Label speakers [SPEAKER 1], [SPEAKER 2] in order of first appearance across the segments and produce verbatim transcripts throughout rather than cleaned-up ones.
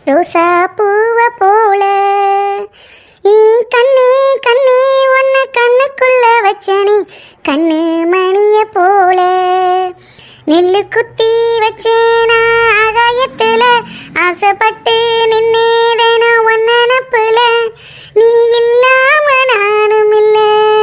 [SPEAKER 1] ரோசா பூவ போல கண்ணே கண்ணே ஒன்ன கண்ணுக்குள்ள வச்சனே கண்ணு மணிய போல நெல்லு குத்தி வச்சேனா ஆகாயத்துல ஆசைப்பட்டு நின்னேதேன ஒன்ன நப்புல நீ இல்லாம நானும் இல்ல.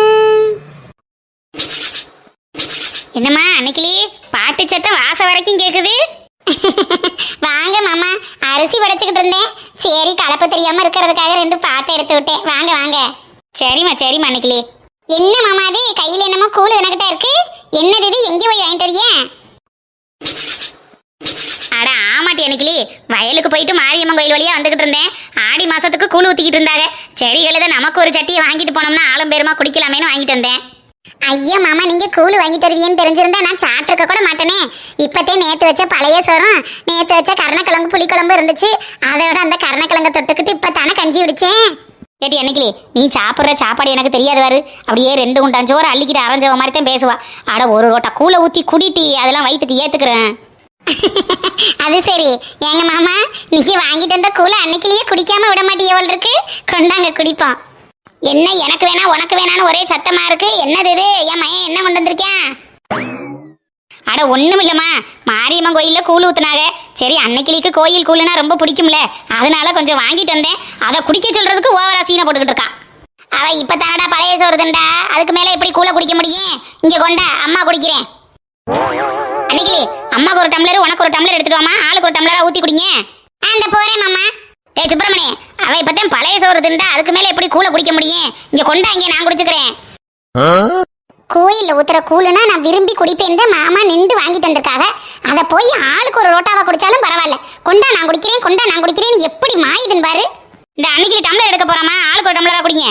[SPEAKER 1] என்னம்மா அன்னைக்கிளி பாட்டு சத்தம் வாசம் வரைக்கும் கேக்குது. வாங்க மாமா, அரிசி படைச்சுக்கிட்டு இருந்தேன். சரி கலப்பு தெரியாம இருக்கிறதுக்காக ரெண்டு பாட்டை எடுத்து விட்டேன். வாங்க வாங்க. சரிம்மா சரிம்மா அன்னைக்கிளி. என்ன மாமா அது கையில என்னமோ கூழு எனக்கிட்ட இருக்கு? என்னது இது? எங்கே போய் வாங்கிட்டு வரியா? அட ஆமாட்டி அன்னைக்கிளி, வயலுக்கு போயிட்டு மாரியம்மன் கோயில் வழியா வந்துகிட்டு இருந்தேன். ஆடி மாசத்துக்கு கூழ் ஊத்திக்கிட்டு இருந்தாங்க. செடிகள் தான் நமக்கு ஒரு சட்டியை வாங்கிட்டு போனோம்னா ஆளும் பேருமா குடிக்கலாமேன்னு வாங்கிட்டு வந்தேன். ஐயா மாமா, நீங்க கூழ் வாங்கிட்டு வருவீன்னு தெரிஞ்சிருந்தா நான் சாப்பிட்ருக்க கூட மாட்டேனே. இப்பத்தே நேற்று வச்ச பழைய சோறும் நேற்று வச்ச கருணக்கிழங்கு புளிக்குழம்பு இருந்துச்சு. அதோட அந்த கருணக்கிழங்கை தொட்டுக்கிட்டு இப்போ தானே கஞ்சி குடிச்சேன். ஏட்டி அன்னைக்கிளி, நீ சாப்பிட்ற சாப்பாடு எனக்கு தெரியாதுவாரு. அப்படியே ரெண்டு குண்டான் சோறு அள்ளிக்கிட்டு அரைஞ்சவ மாதிரி தான் பேசுவா. அட ஒரு ரோட்டா கூழை ஊற்றி குடிட்டி, அதெல்லாம் வயிற்றுக்கு ஏற்றுக்கிறேன். அது சரி. எங்க மாமா, நீங்க வாங்கிட்டு வந்த கூழை அன்னைக்கிலேயே குடிக்காம விட மாட்டேன். எவ்வளோ இருக்கு? கொண்டாங்க குடிப்போம். என்ன எனக்கு வேணா உனக்கு வேணான்னு ஒரே சத்தமா இருக்கு. என்னது இது? என் மையன் என்ன கொண்டு வந்திருக்கேன்? அட ஒண்ணும் இல்லம்மா, மாரியம்மன் கோயில்ல கூழ் ஊத்துனாங்க. சரி அன்னைக்கிளிக்கு கோயில் கூழுனா ரொம்ப பிடிக்கும்ல, அதனால கொஞ்சம் வாங்கிட்டு வந்தேன். அதை குடிக்க சொல்றதுக்கு ஓவரா சீனை போட்டுக்கிட்டு இருக்கான். அவ இப்ப தானடா பழைய சோறுதுண்டா, அதுக்கு மேல எப்படி கூழ குடிக்க முடியும்? இங்க கொண்டா, அம்மா குடிக்கிறேன். அன்னைக்கிளி, அம்மாக்கு ஒரு டம்ளர் உனக்கு ஒரு டம்ளர் எடுத்துட்டு வாமா. ஆளுக்கு ஒரு டம்ளரா ஊத்தி குடிங்க. அந்த போறேன் மாமா. ஏ சுப்பிரமணி, அவ இப்பதான் பழைய சோறு திண்டா, அதுக்கு மேல எப்படி கூழ குடிக்க முடியும்? இங்க கொண்டா, இங்க நான் குடிச்சுக்கிறேன். கோயில்ல ஊத்துற கூழுனா நான் விரும்பி குடிப்பேன். மாமா நின்று வாங்கிட்டு வந்திருக்காங்க. அதை போய் ஆளுக்கு ஒரு ரோட்டாவா குடிச்சாலும் பரவாயில்ல. கொண்டா நான் குடிக்கிறேன், கொண்டா நான் குடிக்கிறேன். எப்படி மாயுதுன்னு பாரு. இந்த அன்னைக்கு டம்ளர் எடுக்க போறாமா, ஆளுக்கு ஒரு டம்ளரா குடிங்க.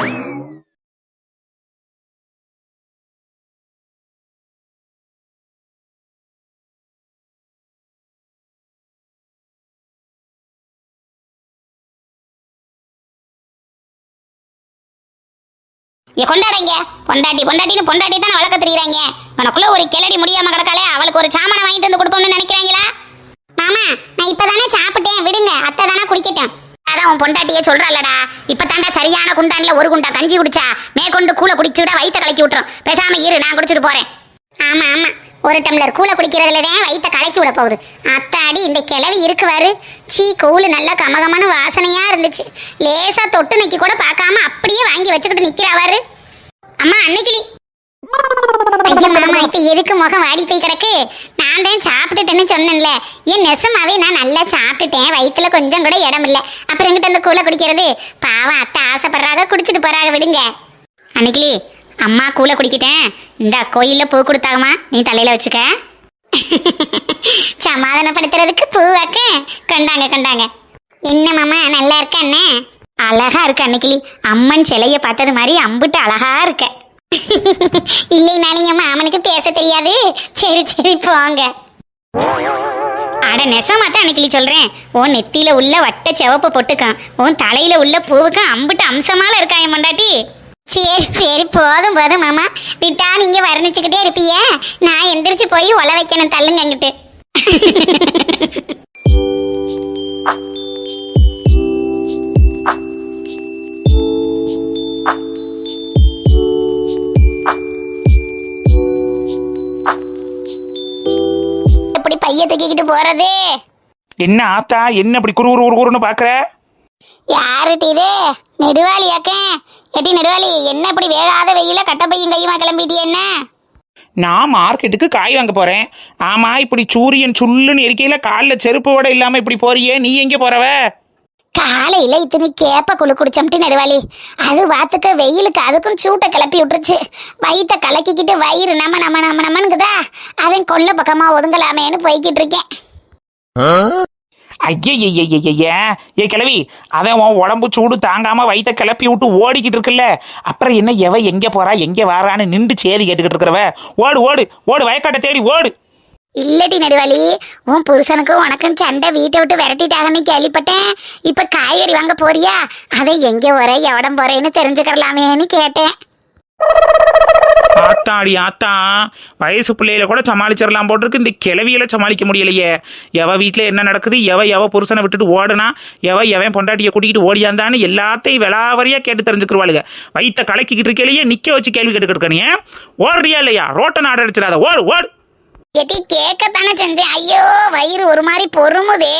[SPEAKER 1] கொண்டாடைங்க. பொண்டாட்டி பொண்டாட்டின்னு பொண்டாட்டி தானே வளர்க்க தெரியுறாங்க. உனக்குள்ள ஒரு கிளடி முடியாம கிடக்காலே, அவளுக்கு ஒரு சாமான வாங்கிட்டு வந்து கொடுப்போம்னு நினைக்கிறாங்களா? மாமா, நான் இப்பதானே சாப்பிட்டேன், விடுங்க. அத்தை தானே குடிக்கட்டும். அதான் உன் பொண்டாட்டியே சொல்றாளடா, இப்பதாண்டா சரியான குண்டான்ல ஒரு குண்டா கஞ்சி குடிச்சா மேற்கொண்டு கூழ குடிச்சுட வயிற்ற கலக்கி விட்டுரும். பேசாம இரு, நான் குடிச்சிட்டு போறேன். ஆமா ஆமா, ஒரு டம்ளர் கூழ குடிக்கிறதுலதான் வயிற்ற கலக்கி விட போகுது. அத்தாடி இந்த கிளவி இருக்குவாரு. சீ, கூழு நல்லா கமகமான வாசனையா இருந்துச்சு. லேசா தொட்டு நக்கி கூட பார்க்காம அப்படியே வாங்கி வச்சுக்கிட்டு நிக்கிறாவாரு. அம்மா அன்னைக்கிளி. ஐயா மாமா, இப்ப எதுக்கு முகம் வாடி போய் கிடக்கு? நான் தான் சாப்பிட்டுட்டேன்னு சொன்னேன்ல. ஏன் நெசமாவே நான் நல்லா சாப்பிட்டுட்டேன். வயிற்றுல கொஞ்சம் கூட இடம் இல்லை. அப்புறம் எங்கிட்ட அந்த கூழ குடிக்கிறது? பாவம் அத்தை ஆசைப்படுறாங்க, குடிச்சிட்டு போறாங்க, விடுங்க. அன்னைக்கிளி, அம்மா கூழ குடிக்கிட்டேன். இந்த கோயில்ல பூ கொடுத்தாங்கம்மா, நீ தலையில வச்சுக்க. சமாதானப்படுத்துறதுக்கு பூ வைக்க கொண்டாங்க கொண்டாங்க. என்ன மாமா, நல்லா இருக்க? அண்ணே அழகா இருக்கு அன்னைக்கிளி. அம்மன் சிலைய பார்த்தது மாதிரி அம்புட்டு அழகா இருக்க. இல்லைனாலும் மாமனுக்கு பேச தெரியாது. சரி சரி போங்க. அட நெசமாத்தான் அன்னைக்கிளி சொல்றேன். உன் நெத்தியில உள்ள வட்ட சிவப்பு பொட்டுக்கான், உன் தலையில உள்ள பூவுக்கும் அம்புட்டு அம்சமால இருக்கா என் பொண்டாட்டி. சரி சரி போதும் போதும் மாமா, விட்டா நீங்க வர்ணிச்சுக்கிட்டே இருப்பீய. நான் எந்திரிச்சு போய் ஒல வைக்கணும். தள்ளுங்க அங்கிட்டு. எப்படி பைய தூக்கிக்கிட்டு போறது?
[SPEAKER 2] என்ன ஆத்தா, என்ன இப்படி குறு குறு குறுன்னு பாக்குற?
[SPEAKER 1] யாருட்டி இது? நெடுவாளியாக்க? எட்டி நெடுவாளி, என்ன இப்படி வேகாத வெயில கட்ட பையும் கையுமா கிளம்பிட்டிய? என்ன?
[SPEAKER 2] நான் மார்க்கெட்டுக்கு காய் வாங்க போறேன். ஆமா, இப்படி சூரியன் சுள்ளுன்னு இருக்கையில காலில் செருப்பு கூட இல்லாம இப்படி போறியே, நீ எங்க போறவ?
[SPEAKER 1] காலையில இத்தனை கேப்ப குழு குடிச்சோம்ட்டு நெடுவாளி, அது வாத்துக்க வெயிலுக்கு அதுக்கும் சூட்டை கிளப்பி விட்டுருச்சு. வயிற்ற கலக்கிக்கிட்டு வயிறு நம்ம நம்ம நம்ம நம்மனுக்குதா, அதன் கொல்ல பக்கமா ஒதுங்கலாமேன்னு போய்கிட்டு இருக்கேன்.
[SPEAKER 2] ஐயய்யய்யய்ய, ஏ கிளவி, அதான் உன் உடம்பு சூடு தாங்காம வயிற்ற கிளப்பி விட்டு ஓடிக்கிட்டு இருக்குல்ல, அப்புறம் என்ன எவ எங்க போறா எங்க வாரான்னு நின்று சேதி கேட்டுக்கிட்டு இருக்கிறவ? ஓடு ஓடு ஓடு, வயக்காட்டை தேடி ஓடு.
[SPEAKER 1] இல்லட்டி நெடுவாளி, உன் புருஷனுக்கும் உனக்கும் சண்டை வீட்டை விட்டு விரட்டிட்டாங்கன்னு கேள்விப்பட்டேன். இப்ப காய்கறி வாங்க போறியா? அதை எங்க போற எவடம் போறேன்னு தெரிஞ்சுக்கலாமேன்னு கேட்டேன்.
[SPEAKER 2] ஆத்தாடி ஆத்தா, வயசு பிள்ளையில கூட சமாளிச்சிடலாம் போட்டிருக்கு, இந்த கிளவியில சமாளிக்க முடியலையே. எவ வீட்டில் என்ன நடக்குது, எவ எவ புருஷனை விட்டுட்டு ஓடுனா, எவ எவன் பொண்டாட்டியை கூட்டிகிட்டு ஓடியாந்தான்னு எல்லாத்தையும் விளாவரியா கேட்டு தெரிஞ்சுக்கிருவாளுங்க. வயிற்ற கலக்கிக்கிட்டு இருக்கையிலேயே நிக்க வச்சு கேள்வி கேட்டுக்கிட்டு நீ ஓடுறியா இல்லையா? ரோட்டை நாடு அடிச்சிடாத, ஓடு ஓடு.
[SPEAKER 1] எட்டி கேட்கத்தானே செஞ்சேன். ஐயோ வயிறு ஒரு மாதிரி பொறுமுதே.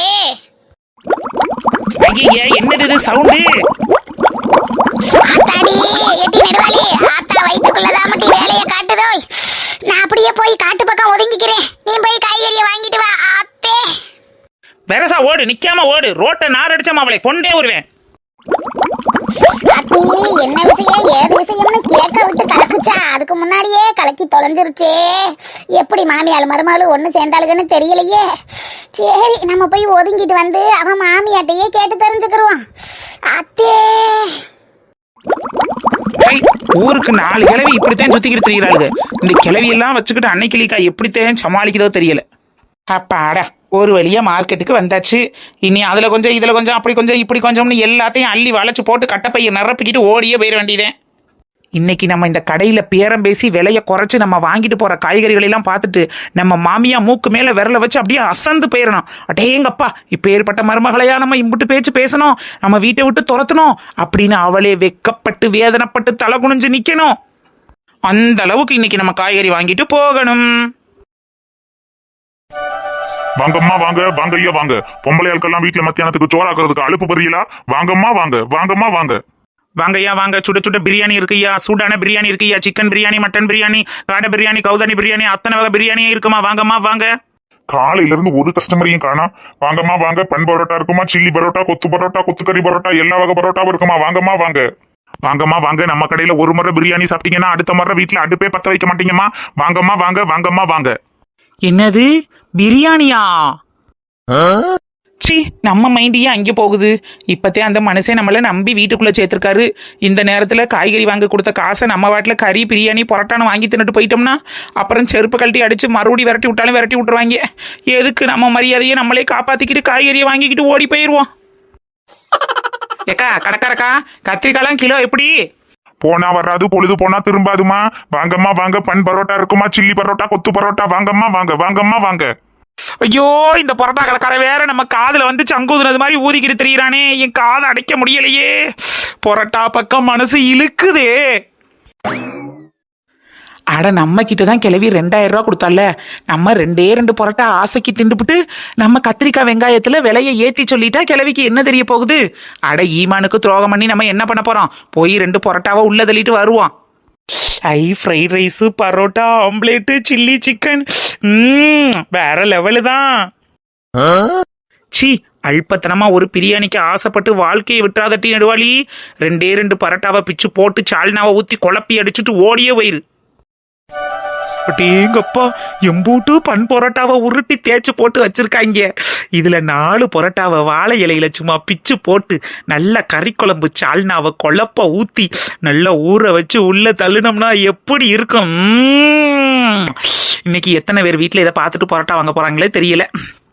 [SPEAKER 2] ஐயே, என்னது இது சவுண்டு?
[SPEAKER 1] ஆத்தாடி எட்டி நெடுவாளி, ஆத்தா வயிற்றுக்குள்ளதான் மட்டும் வேலையை காட்டுதோ. நான் அப்படியே போய் காட்டு பக்கம் ஒதுங்கிக்கிறேன், நீ போய் காய்கறியை வாங்கிட்டு வா. ஆத்தே
[SPEAKER 2] வெரசா ஓடு, நிக்காம ஓடு. ரோட்டை நார் அடிச்சா அவளை கொண்டே வருவேன்.
[SPEAKER 1] அத்தி என்ன விஷயம் ஏது விஷயம்னு கேட்க விட்டு கலக்குச்சா, அதுக்கு முன்னாடியே கலக்கி தொலைஞ்சிருச்சே. எப்படி மாமியாள் மருமகளும் ஒண்ணு சேர்ந்தாளுன்னு தெரியலையே. சரி நம்ம போய் ஒதுங்கிட்டு வந்து அவன் மாமியாட்டையே கேட்டு தெரிஞ்சுக்கிருவான். அத்தே
[SPEAKER 2] ஊருக்கு நாலு கிழவி இப்படித்தான் சுத்திக்கிட்டு தெரிகிறாளுங்க. இந்த கிழவி எல்லாம் வச்சுக்கிட்டு அன்னைக்கிளிக்கா எப்படித்தான் சமாளிக்குதோ தெரியல. அப்பாடா, ஒரு வழியா மார்க்கெட்டுக்கு வந்தாச்சு. இனி அதுல கொஞ்சம் இதுல கொஞ்சம் அப்படி கொஞ்சம் இப்படி கொஞ்சம்னு எல்லாத்தையும் அள்ளி வளைச்சு போட்டு கட்டப்பையை நிரப்பிக்கிட்டு ஓடியே போயிட வேண்டியதே. இன்னைக்கு நம்ம இந்த கடையில பேரம் பேசி விலையை குறைச்சு நம்ம வாங்கிட்டு போற காய்கறிகளை எல்லாம் பார்த்துட்டு நம்ம மாமியா மூக்கு மேல விரல வச்சு அப்படியே அசந்து போயிடணும். அடேங்கப்பா, இப்ப ஏற்பட்ட மருமகளையா நம்ம இம்புட்டு பேச்சு பேசணும், நம்ம வீட்டை விட்டு துரத்தணும் அப்படின்னு அவளே வெக்கப்பட்டு வேதனைப்பட்டு தலை குனிஞ்சு நிக்கணும். அந்த அளவுக்கு இன்னைக்கு நம்ம காய்கறி வாங்கிட்டு போகணும்.
[SPEAKER 3] வாங்கம்மா வாங்க, வாங்க ஐயா வாங்க. பொம்பளை ஆட்கள்லாம் வீட்டுல மத்தியானத்துக்கு சோறாக்குறதுக்கு அலுப்பு பெரியலா? வாங்கம்மா வாங்க, வாங்கம்மா வாங்க.
[SPEAKER 2] வாங்கய்யா வாங்க, சுட சுட பிரியாணி இருக்குய்யா, சூடான பிரியாணி இருக்குய்யா, சிக்கன் பிரியாணி, மட்டன் பிரியாணி, காடை பிரியாணி, கவுதானி பிரியாணி, அத்தனை வகை பிரியாணியே இருக்குமா. வாங்கம்மா வாங்க.
[SPEAKER 3] காலையில இருந்து ஒரு கஸ்டமரையும் காணோம். வாங்கம்மா வாங்க. பன் பரோட்டா இருக்குமா, சில்லி பரோட்டா, கொத்து பரோட்டா, கொத்துக்கறி பரோட்டா, எல்லா வகை பரோட்டாவும் இருக்குமா. வாங்கம்மா வாங்க. வாங்கம்மா வாங்க. நம்ம கடையில ஒரு முறை பிரியாணி சாப்பிட்டீங்கன்னா அடுத்த முறை வீட்டுல அடுப்பே பத்த வைக்க மாட்டீங்கம்மா. வாங்கம்மா வாங்க, வாங்கம்மா வாங்க.
[SPEAKER 2] என்னது பிரியாணியா? சி, நம்ம மைண்டியே அங்கே போகுது. இப்பத்தே அந்த மனுஷன் நம்மள நம்பி வீட்டுக்குள்ள சேர்த்திருக்காரு. இந்த நேரத்துல காய்கறி வாங்க கொடுத்த காசை நம்ம வாட்டில் கறி பிரியாணி பொரோட்டான்னு வாங்கி தின்னுட்டு போயிட்டோம்னா அப்புறம் செருப்பு கழட்டி அடிச்சு மறுபடி விரட்டி விட்டாலும் விரட்டி விட்டுருவாங்க. எதுக்கு நம்ம மரியாதையை நம்மளே காப்பாத்திக்கிட்டு காய்கறியை வாங்கிக்கிட்டு ஓடி போயிடுவோம். ஏக்கா கடைக்காரக்கா, கத்திரிக்காய்லாம் கிலோ எப்படி?
[SPEAKER 3] போனா வராது, பொழுது போனா திரும்பாதுமா. வாங்கம்மா வாங்க. பன் பரோட்டா இருக்குமா, சில்லி பரோட்டா, கொத்து பரோட்டா. வாங்கம்மா வாங்க, வாங்கம்மா வாங்க.
[SPEAKER 2] ஐயோ, இந்த பரோட்டா கடைக்கார வேற நம்ம காதுல வந்து சங்கூதுனது மாதிரி ஊதிக்கிட்டு தெரியுறானே, என் காதை அடைக்க முடியலையே. பரோட்டா பக்கம் மனசு இழுக்குதே. அட, நம்ம கிட்டதான் கிளவி ரெண்டாயிரம் ரூபா கொடுத்தால, நம்ம ரெண்டே ரெண்டு பரோட்டா ஆசைக்கு திண்டுபிட்டு நம்ம கத்திரிக்காய் வெங்காயத்துல விலையை ஏத்தி சொல்லிட்டா கிளவிக்கு என்ன தெரிய போகுது? அட, ஈமானுக்கு துரோகம் பண்ணி நம்ம என்ன பண்ண போறோம்? போய் ரெண்டு பரோட்டாவை உள்ள தள்ளிட்டு வருவோம். ஐ, fried rice, parotta, omelette, chilli chicken, வேற லெவலு தான். சி, அல்பத்தனமா ஒரு பிரியாணிக்கு ஆசைப்பட்டு வாழ்க்கையை விட்டுறாதட்டி நடுவாளி. ரெண்டே ரெண்டு பரோட்டாவை பிச்சு போட்டு சால்னாவை ஊத்தி குழப்பி அடிச்சுட்டு ஓடியே போயிரு. அடேங்கப்பா, எம்பூட்டு பன் பரோட்டாவை உருட்டி தேய்ச்சி போட்டு வச்சிருக்காங்க. இதுல நாலு பரோட்டாவை வாழை இலையில சும்மா பிச்சு போட்டு நல்ல கறி குழம்பு சால்னாவை குழப்ப ஊத்தி நல்லா ஊற வச்சு உள்ள தள்ளுனோம்னா எப்படி இருக்கும்? இன்னைக்கு எத்தனை பேர் வீட்டுல இதை பார்த்துட்டு பரோட்டா வாங்க போறாங்களே தெரியல.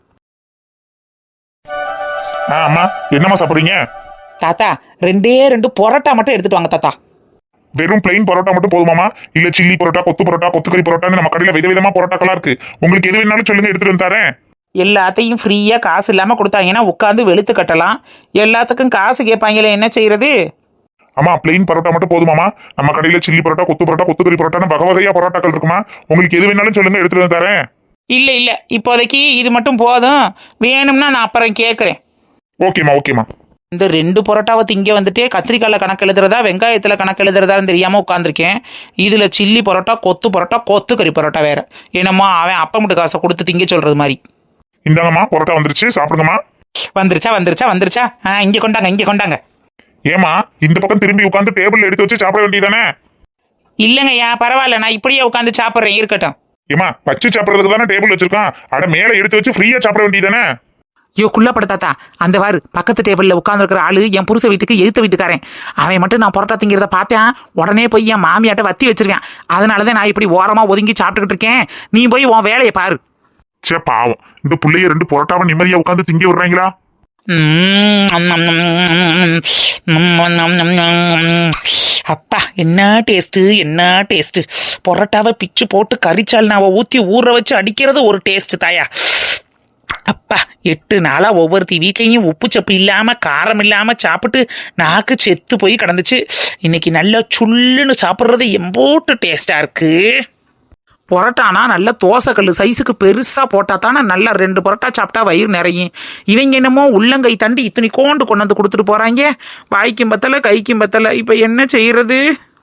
[SPEAKER 3] ஆமா, என்னம்மா சாப்பிடுறீங்க?
[SPEAKER 2] தாத்தா, ரெண்டே ரெண்டு பரோட்டா மட்டும் எடுத்துட்டு வாங்க தாத்தா.
[SPEAKER 3] வெறும் பிளைன் பரோட்டா மட்டும் போதுமாமா? இல்ல சில்லி பரோட்டா, கொத்து பரோட்டா, கொத்துக்கறி பரோட்டான்னு நம்ம கடையில விதவிதமா பரோட்டாக்களா இருக்கு. உங்களுக்கு எது வேணாலும் சொல்லுங்க, எடுத்துட்டு வந்து தரேன்.
[SPEAKER 2] எல்லாத்தையும் ஃப்ரீயா காசு இல்லாம கொடுத்தாங்கன்னா உட்காந்து வெளுத்து கட்டலாம். எல்லாத்துக்கும் காசு கேட்பாங்களே, என்ன செய்யறது?
[SPEAKER 3] ஆமா, பிளைன் பரோட்டா மட்டும் போதுமாமா? நம்ம கடையில சில்லி பரோட்டா, கொத்து பரோட்டா, கொத்துக்கறி பரோட்டான்னு வகை வகையா பரோட்டாக்கள் இருக்குமா? உங்களுக்கு எது வேணாலும் சொல்லுங்க, எடுத்துட்டு வந்து தரேன்.
[SPEAKER 2] இல்ல இல்ல, இப்போதைக்கு இது மட்டும் போதும். வேணும்னா நான் அப்புறம் கேட்கறேன்.
[SPEAKER 3] ஓகேமா ஓகேமா.
[SPEAKER 2] இந்த ரெண்டு பரோட்டாவை திங்க வந்துட்டு கத்திரிக்காயில் கணக்கு எழுதுறதா வெங்காயத்தில் கணக்கு எழுதுறதான்னு தெரியாமல் உட்காந்துருக்கேன். இதில் சில்லி பரோட்டா, கொத்து பரோட்டா, கொத்து கறி பரோட்டா வேற. என்னம்மா அவன் அப்பா மட்டும் காசை கொடுத்து திங்க சொல்றது மாதிரி.
[SPEAKER 3] இந்தாங்கம்மா, பரோட்டா வந்துருச்சு, சாப்பிடுங்கம்மா.
[SPEAKER 2] வந்துருச்சா வந்துருச்சா வந்துருச்சா ஆ, இங்கே கொண்டாங்க இங்கே கொண்டாங்க.
[SPEAKER 3] ஏமா, இந்த பக்கம் திரும்பி உட்காந்து டேபிள் எடுத்து வச்சு சாப்பிட வேண்டியதானே?
[SPEAKER 2] இல்லைங்கய்யா, பரவாயில்ல, நான் இப்படியே உட்காந்து சாப்பிட்றேன், இருக்கட்டும்.
[SPEAKER 3] ஏமா, வச்சு சாப்பிட்றதுக்கு தானே டேபிள் வச்சிருக்கான். அட, மேல எடுத்து வச்சு ஃப்ரீயா சாப்பிட வேண்டியதானே?
[SPEAKER 2] ஐயோ குள்ளப்பட தாத்தா, அந்த வாரு பக்கத்து டேபிளில் உட்காந்துருக்கிற ஆளு என் புருஷ வீட்டுக்கு எழுத்த வீட்டுக்காரன். அவன் மட்டும் நான் பரோட்டா திங்கிறத பார்த்தேன், உடனே போய் என் மாமியாட்ட வத்தி வச்சிருக்கேன். அதனாலதான் நான் இப்படி ஓரமா ஒதுங்கி சாப்பிட்டுக்கிட்டு இருக்கேன். நீ போய் உன் வேலையை பாரு.
[SPEAKER 3] சே பாவம், இந்த புள்ளைய ரெண்டு பரோட்டாவை நிம்மதியா உட்காந்து திங்க விடுறாங்களா?
[SPEAKER 2] ம், நம், நம், நம், நம், நம், நம், நம். அப்பா என்ன டேஸ்ட்டு என்ன டேஸ்ட்டு. பொரோட்டாவை பிச்சு போட்டு கறிச்சால்னாவை ஊற்றி ஊற வச்சு அடிக்கிறது ஒரு டேஸ்ட்டு தாயா. அப்பா எட்டு நாளா ஒவ்வொருத்தி வீட்லேயும் உப்பு சப்பு இல்லாமல் காரம் இல்லாமல் சாப்பிட்டு நாக்கு செத்து போய் கிடந்துச்சு. இன்னைக்கு நல்லா சுள்ளுன்னு சாப்பிட்றது எம்போட்டு டேஸ்டாக இருக்கு. பொரோட்டானா நல்ல தோசைக்கல் சைஸுக்கு பெருசாக போட்டா தானே நல்லா ரெண்டு பொரோட்டா சாப்பிட்டா வயிறு நிறையும். இவங்க என்னமோ உள்ளங்கை தண்டி இத்தனை கோண்டு கொண்டு வந்து கொடுத்துட்டு போகிறாங்க. வாய்க்கும் பத்தலை கைக்கும் பத்தலை. இப்போ என்ன செய்யறது?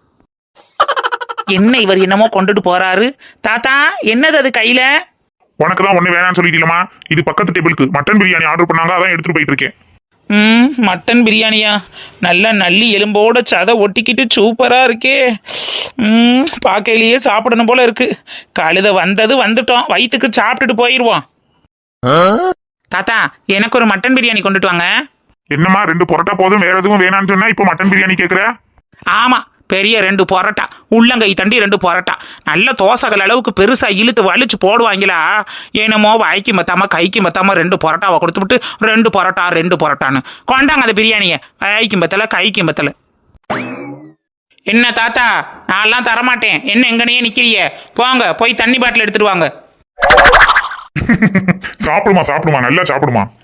[SPEAKER 2] என்ன இவர் என்னமோ கொண்டுட்டு போறாரு? தாத்தா என்னது அது கையில?
[SPEAKER 3] உனக்கு தான் ஒண்ணு வேணாம்னு சொல்லிட்டீங்களா? இது பக்கத்து டேபிளுக்கு மட்டன் பிரியாணி ஆர்டர் பண்ணாங்க, அதான் எடுத்துட்டு போயிட்டு இருக்கேன்.
[SPEAKER 2] ம் மட்டன் பிரியாணியா? நல்லா நல்லி எலும்போட சதை ஒட்டிக்கிட்டு சூப்பராக இருக்கே. ம் பார்க்கையிலேயே சாப்பிடணும் போல இருக்கு. கழுத வந்தது வந்துட்டோம், வயிற்றுக்கு சாப்பிட்டுட்டு போயிடுவோம். தாத்தா எனக்கு ஒரு மட்டன் பிரியாணி கொண்டுட்டு வாங்க.
[SPEAKER 3] என்னம்மா ரெண்டு பொரோட்டா போதும், வேற எதுவும் வேணாம்னு சொன்னா இப்போ மட்டன் பிரியாணி கேட்குற?
[SPEAKER 2] ஆமாம், பெரிய ரெண்டு பொரோட்டா, உள்ளங்கை தண்டி ரெண்டு பொரோட்டா, நல்ல தோசைகள் அளவுக்கு பெருசாக இழுத்து வலிச்சு போடுவாங்களா. என்னமோ வாய்க்கு மத்தாம கைக்கு மத்தாம ரெண்டு பொரோட்டாவை கொடுத்துவிட்டு ரெண்டு பொரோட்டா ரெண்டு பொரோட்டான்னு கொண்டாங்க அந்த பிரியாணியை. வாய்க்கும் பத்தல கைக்கும் பத்தல. என்ன தாத்தா நான்லாம் தரமாட்டேன், என்ன எங்கனையே நிற்கிறீங்க? போங்க போய் தண்ணி பாட்டில் எடுத்துட்டு வாங்க.
[SPEAKER 3] சாப்பிடுமா சாப்பிடுமா நல்லா சாப்பிடுமா.